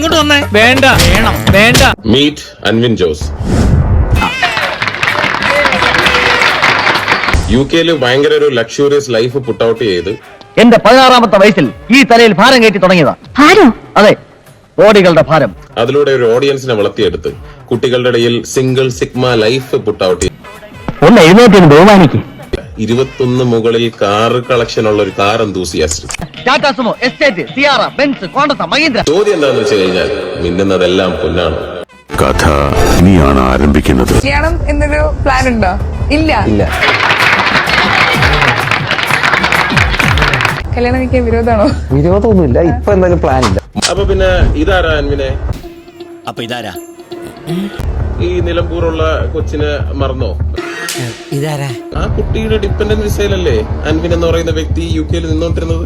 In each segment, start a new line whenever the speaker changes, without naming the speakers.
ഇങ്ങോട്ട് വന്നേ. വേണ്ട, വേണം, വേണ്ട.
മീറ്റ് അൻവിൻ ജോസ്. UK-ല് ഭയങ്കര ഒരു ലക്ഷൂറിയസ് ലൈഫ് പുട്ട് ഔട്ട് ചെയ്ത്
എന്റെ 16-ാമത്തെ വയസ്സിൽ ഈ തലയിൽ ഭാരം കയറ്റി തുടങ്ങിയതാ. ഭാരം? അതെ, ബോഡികളുടെ ഭാരം.
അതിലൂടെ ഒരു ഓഡിയൻസിനെ വളർത്തിയെടുത്ത് കുട്ടികളുടെ ഇടയിൽ single sigma life put out ചെയ്ത്
ഒന്ന് എഴുന്നേറ്റ് ബഹുമാനിക്ക്.
21 മുകളിൽ കാർ കളക്ഷൻ ഉള്ള ഒരു car enthusiast.
Tata Sumo, Estate, Sierra, Benz, Contessa, Mahindra.
ചോദ്യം എന്താണെന്ന് വെച്ച് കഴിഞ്ഞാൽ മിന്നുന്നതെല്ലാം പൊന്നാണ്.
കഥ ഇനിയാണ് ആരംഭിക്കുന്നത്.
കല്യാണം എന്നൊരു പ്ലാൻ ഉണ്ടോ? ഇല്ല. കല്യാണം എനിക്ക് വിരോധമാണോ?
വിരോധമൊന്നുമില്ല, ഇപ്പൊ എന്തായാലും പ്ലാൻ ഇല്ല.
അപ്പൊ പിന്നെ ഇതാരാ അൻവിനെ?
അപ്പൊ ഇതാരാ?
ഈ നിലമ്പൂറുള്ള കൊച്ചിനെ മറന്നോ?
ഇതാരാ?
ആ കുട്ടിയുടെ ഡിപെൻഡന്റ് വിസയിലല്ലേ അൻവിൻ എന്ന് പറയുന്ന വ്യക്തി UK-ൽ നിന്നോണ്ടിരുന്നത്?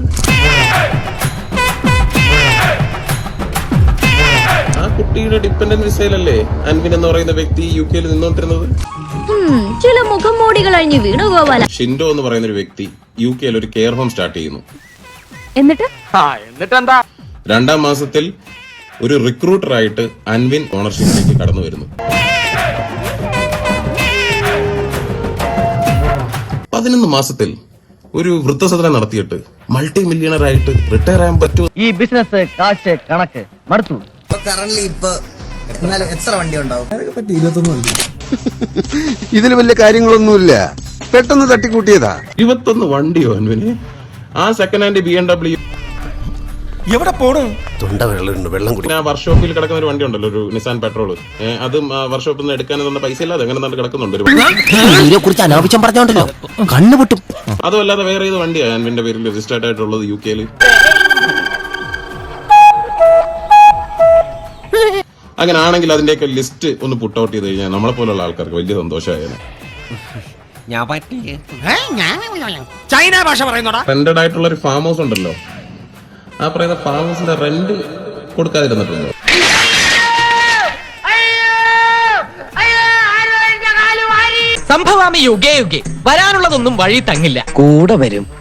ആ കുട്ടിയുടെ ഡിപെൻഡന്റ് വിസയിലല്ലേ അൻവിൻ എന്ന് പറയുന്ന വ്യക്തി UK-ൽ നിന്നോണ്ടിരുന്നത്?
ചില മുഖംമൂടികൾ അഴിഞ്ഞ് വീണു ഗോപാല.
ഷിൻഡോ എന്ന് പറയുന്ന ഒരു വ്യക്തി UK-ൽ ഒരു കെയർ ഹോം സ്റ്റാർട്ട് ചെയ്യുന്നു.
എന്നിട്ട്
2-ാം മാസത്തിൽ ഒരു റിക്രൂട്ടറായിട്ട് അൻവിൻ ഓണർഷിപ്പിലേക്ക് കടന്നു വരുന്നു. 11 മാസത്തിൽ ഒരു വൃദ്ധസദനം നടത്തിയിട്ട് മൾട്ടി മില്യണർ ആയിട്ട് റിട്ടയർ ആകാൻ പറ്റുമോ?
ഈ ബിസിനസ്, കാശ്, കണക്ക് മടുത്തു.
എത്ര വണ്ടി ഉണ്ടാവും?
ഇതിൽ വലിയ കാര്യങ്ങളൊന്നുമില്ല, പെട്ടെന്ന് തട്ടിക്കൂട്ടിയതാ.
21 വണ്ടിയോ അൻവിന്? ആ സെക്കൻഡ് ഹാൻഡ് BMW
എവിടെ പോണു?
വെള്ളം കുടി.
ആ വർക്ക്ഷോപ്പിൽ കിടക്കുന്ന ഒരു വണ്ടി ഉണ്ടല്ലോ, ഒരു നിസാൻ പെട്രോൾ. അതും വർക്ക്ഷോപ്പിൽ നിന്ന് എടുക്കാനുള്ള പൈസ ഇല്ലാതെ അങ്ങനെ തന്നെ കിടക്കുന്നുണ്ട്.
കുറിച്ച് അനാവശ്യം പറഞ്ഞോണ്ടല്ലോ, കണ്ണുപൊട്ടും.
അതുമല്ലാതെ വേറെ ഏത് വണ്ടിയാണ് അൻവിന്റെ പേരിൽ രജിസ്റ്റേർഡ് ആയിട്ടുള്ളത് UK-ല്? അങ്ങനെ ആണെങ്കിൽ അതിന്റെയൊക്കെ ലിസ്റ്റ് ഒന്ന് പുട്ട് ഔട്ട് ചെയ്ത് കഴിഞ്ഞാൽ നമ്മളെ പോലുള്ള ആൾക്കാർക്ക് വലിയ സന്തോഷമായേനെ.
ചൈന ഭാഷ പറയുന്നോടാ.
റെന്റഡ് ആയിട്ടുള്ള ഒരു ഫാം ഹൗസ് ഉണ്ടല്ലോ, ആ പറയുന്ന ഫാം ഹൗസിന്റെ റെന്റ് കൊടുക്കാതിരുന്നിട്ടുണ്ടോ?
സംഭവാമി യുഗേ യുഗേ, വരാനുള്ളതൊന്നും വഴി തങ്ങില്ല.
കൂടെ വരും.